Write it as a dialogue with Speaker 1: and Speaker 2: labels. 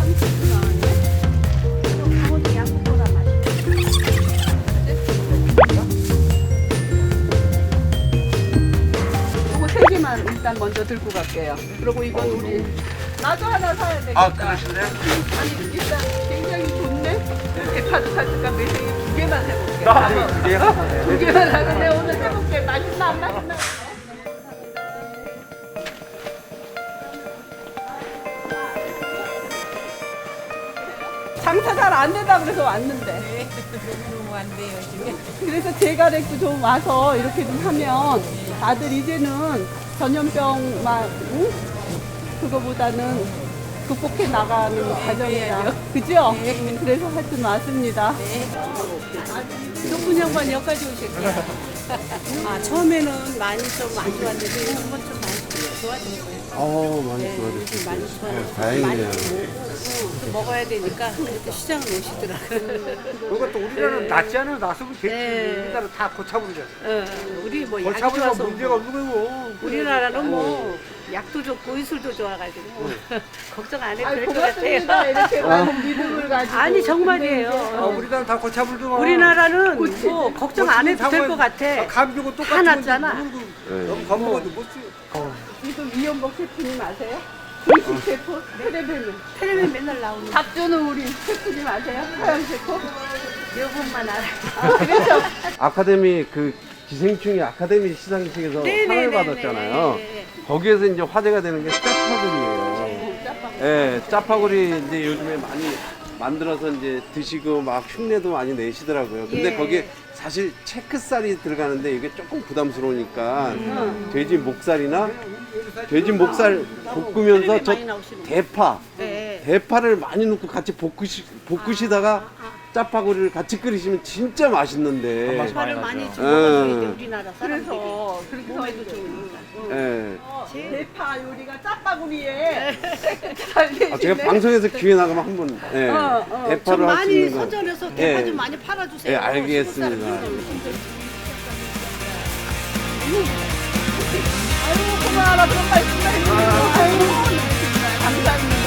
Speaker 1: 강원도 양국보다
Speaker 2: 이거 세 개만 일단 먼저 들고 갈게요. 그리고 이건 우리 나도 하나 사야 되겠다.
Speaker 3: 아, 그러실래요?
Speaker 2: 아니 일단 굉장히 좋네. 이렇게 카드 살까 매생이 두 개만 해볼게. 두 개만 하는데 오늘 해볼게. 맛있나 안 맛있나? 장사 잘 안 된다 그래서 왔는데.
Speaker 1: 너무 안 돼요 지금.
Speaker 2: 그래서 제가렉도 좀 와서 이렇게 좀 하면 다들 이제는 전염병만 응? 그거보다는 극복해 나가는 과정이야. 그죠? 그래서 하여튼 왔습니다.
Speaker 1: 높은 양반 여기까지 오셨어요. 아 처음에는 많이 좀 안 좋았는데 한번 좀 많이 좋아진 거예요.
Speaker 3: 많이
Speaker 1: 네,
Speaker 3: 좋아졌어요.
Speaker 1: 요즘 많이 좋아졌어요.
Speaker 3: 다행이네요.
Speaker 1: 또 먹어야 되니까 그렇게 시장을 오시더라고요.
Speaker 4: 그리고 또 우리나라는 낫지 않아 낫으면 됐지.
Speaker 1: 네.
Speaker 4: 우리나라 다 고차부리잖아.
Speaker 1: 우리 뭐 약이
Speaker 4: 고차부리가
Speaker 1: 좋아서
Speaker 4: 문제가 없는 거고.
Speaker 1: 우리나라는 뭐 약도 좋고 의술도 좋아가지고 걱정 안 해도
Speaker 2: 아이,
Speaker 1: 될 것
Speaker 2: 고맙습니다.
Speaker 1: 같아요.
Speaker 2: 이렇게 많은 믿음을 가지고.
Speaker 1: 아니 정말이에요.
Speaker 4: 우리나라는 다 고차불더만.
Speaker 1: 우리나라는 뭐 걱정 안 해도 될 것 같아.
Speaker 4: 감기고
Speaker 1: 다
Speaker 4: 똑같은
Speaker 1: 낫잖아.
Speaker 4: 너무 겁먹어도 못 쓰.
Speaker 2: 이거 이연복 셰프님 아세요? 분식 셰프? 테레비는.
Speaker 1: 텔레비전 맨날 나오는
Speaker 2: 박주는 우리 셰프님 아세요? 서양 셰프?
Speaker 1: 요 분만 알아.
Speaker 2: 아, 그래서
Speaker 3: 아카데미 그 기생충이 아카데미 시상식에서 상을 받았잖아요. 거기에서 이제 화제가 되는 게 짜파구리예요. 예, 짜파구리 이제 요즘에 많이 만들어서 이제 드시고 막 흉내도 많이 내시더라고요. 근데
Speaker 1: 예.
Speaker 3: 거기에 사실 체크살이 들어가는데 이게 조금 부담스러우니까 돼지 목살이나 돼지 목살 볶으면서 저
Speaker 1: 많이 나오시는 거.
Speaker 3: 대파
Speaker 1: 네.
Speaker 3: 대파를 많이 넣고 같이 볶으시다가 짜파구리를 같이 끓이시면 진짜 맛있는데.
Speaker 1: 대파를 많이 집어가서
Speaker 3: 음.
Speaker 1: 이제 우리나라 사람들이
Speaker 2: 그래서 그렇게
Speaker 1: 몸에도
Speaker 2: 해서
Speaker 1: 좋으니까.
Speaker 3: 예.
Speaker 2: 대파 요리가 짜파구리에 살리시네.
Speaker 3: 아, 제가 방송에서 기회 나가면 한번 예.
Speaker 1: 좀
Speaker 3: 대파를 할 수
Speaker 1: 많이
Speaker 3: 있는 거.
Speaker 1: 서점에서 대파
Speaker 3: 예.
Speaker 1: 좀 많이 팔아주세요.
Speaker 3: 예, 알겠습니다.
Speaker 1: 시골 사람들.
Speaker 2: 아유 고마워라 그런 말씀 해주세요. 아유 네, 감사합니다.